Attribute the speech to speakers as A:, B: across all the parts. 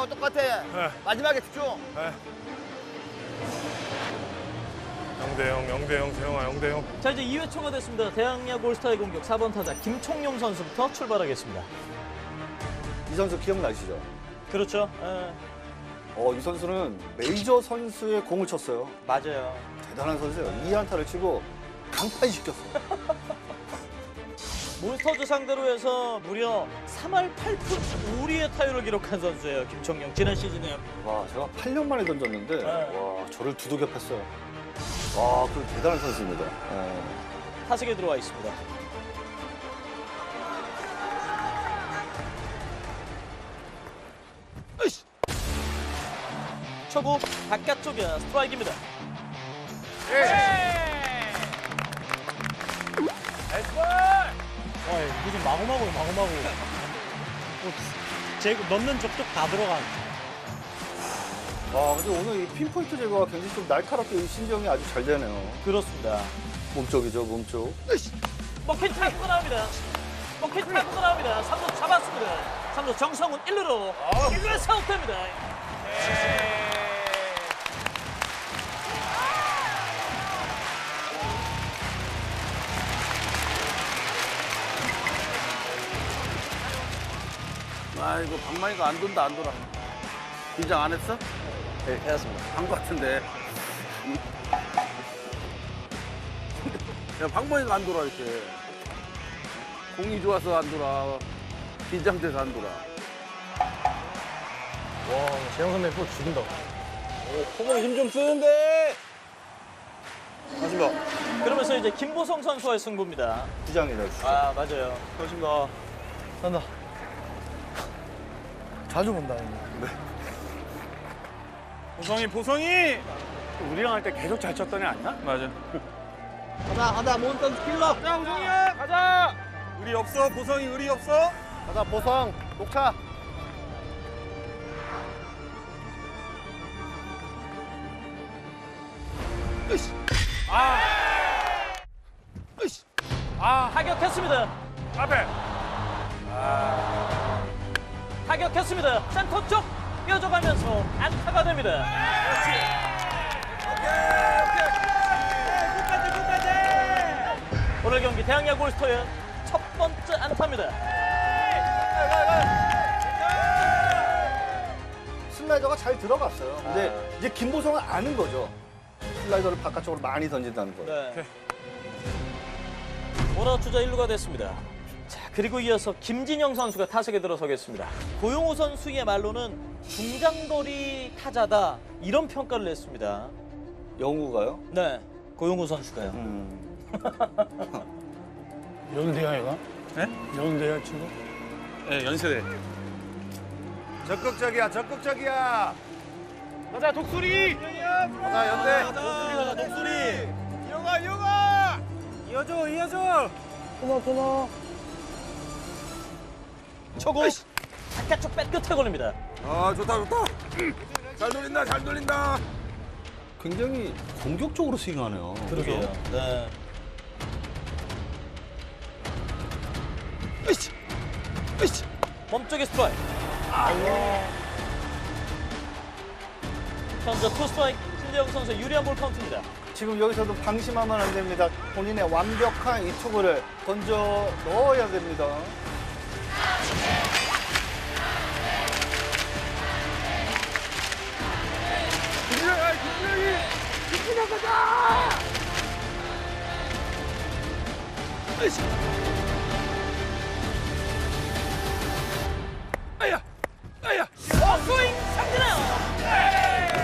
A: 똑같아.
B: 네.
A: 마지막에 집중.
B: 네. 0대0, 0대0, 세영아 0대0.
C: 자, 이제 2회 초가 됐습니다. 대학야구 올스타의 공격 4번 타자 김총용 선수부터 출발하겠습니다.
D: 이 선수 기억나시죠?
C: 그렇죠.
D: 이 선수는 메이저 선수의 공을 쳤어요.
C: 맞아요.
D: 대단한 선수예요. 2안타를 치고 강판시켰어요.
C: 몬스터즈 상대로 해서 무려 3할 8푼 5리의 타율을 기록한 선수예요. 김총용 지난 시즌에.
D: 와, 제가 8년 만에 던졌는데 와, 저를 두둑여 팼어요. 와, 그 대단한 선수입니다.
C: 타석에 들어와 있습니다. 초구 바깥쪽이야. 스트라이크입니다. 무슨 마구마구. 넣는 족족 다 들어간.
D: 와, 근데 오늘 이 핀포인트 제거가 굉장히 좀 날카롭게 이 신경이 아주 잘 되네요.
C: 그렇습니다.
D: 몸쪽이죠, 몸쪽.
C: 먹힌 타구가 나옵니다. 먹힌 타구가 나옵니다. 3루 잡았습니다. 3루 정성훈 1루로 1루에서 아웃됩니다.
A: 아, 이거 방망이가 안 돈다, 안 돌아. 긴장 안 했어?
C: 네, 해놨습니다.
A: 한 것 같은데. 야, 방망이가 안 돌아, 이렇게. 공이 좋아서 안 돌아. 긴장돼서 안 돌아.
C: 재영 선배 또 죽인다.
A: 호봉이 힘 좀 쓰는데! 하신다.
C: 그러면서 이제 김보성 선수와의 승부입니다.
D: 주장이다, 주장.
C: 아, 맞아요.
A: 하신다.
C: 간다.
D: 자주 본다.
B: 보성이!
A: 우리랑 할 때 계속 잘 쳤던 애 아니야?
B: 맞아.
A: 가자, 몬스터 킬러!
B: 자, 보성이야! 가자! 의리 없어, 보성이 의리 없어?
D: 가자, 보성, 녹차.
C: 타격했습니다.
B: 앞에!
C: 타격했습니다. 센터 쪽 이어져가면서 안타가 됩니다. 오늘 경기 대학야구 올스터의 첫 번째 안타입니다.
D: 슬라이더가 잘 들어갔어요. 근데 이제 김보성은 아는 거죠. 슬라이더를 바깥쪽으로 많이 던진다는 걸.
C: 네. 원아웃 주자 1루가 됐습니다. 자, 그리고 이어서 김진영 선수가 타석에 들어서겠습니다. 고용호 선수의 말로는 중장거리 타자다 이런 평가를 냈습니다.
D: 영우가요?
C: 네, 고용호 선수가요.
E: 연세야 얘가?
B: 네?
E: 연세야 지금?
B: 네, 연세대.
A: 적극적이야, 적극적이야!
B: 가자, 독수리!
A: 가자, 연대!
C: 가자,
B: 독수리! 이어가! 이어줘!
E: 고마워.
C: 초구 바깥쪽 백 끝에 걸립니다.
A: 아, 좋다. 잘 돌린다.
D: 굉장히 공격적으로 스윙하네요.
C: 그러게요. 네. 몸쪽에 스트라이크. 현재 투 스트라이크 신재영 선수의 유리한 볼 카운트입니다.
D: 지금 여기서도 방심하면 안 됩니다. 본인의 완벽한 이 투구를 던져 넣어야 됩니다.
C: 스윙 삼진아요.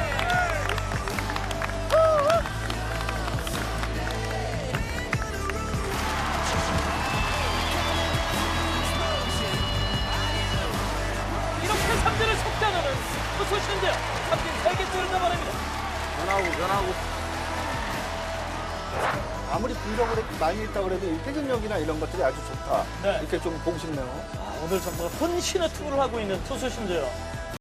C: 이렇게 삼진을 속단하는 투수 신재영. 삼진 3개째를 잡아냅니다.
A: 변하고.
D: 아무리 분석을 많이 했다 그래도 이 회전력이나 이런 것들이 아주 좋다.
C: 네.
D: 이렇게 좀 보고 싶네요.
C: 오늘 정말 혼신의 투구를 하고 있는 투수 신재영.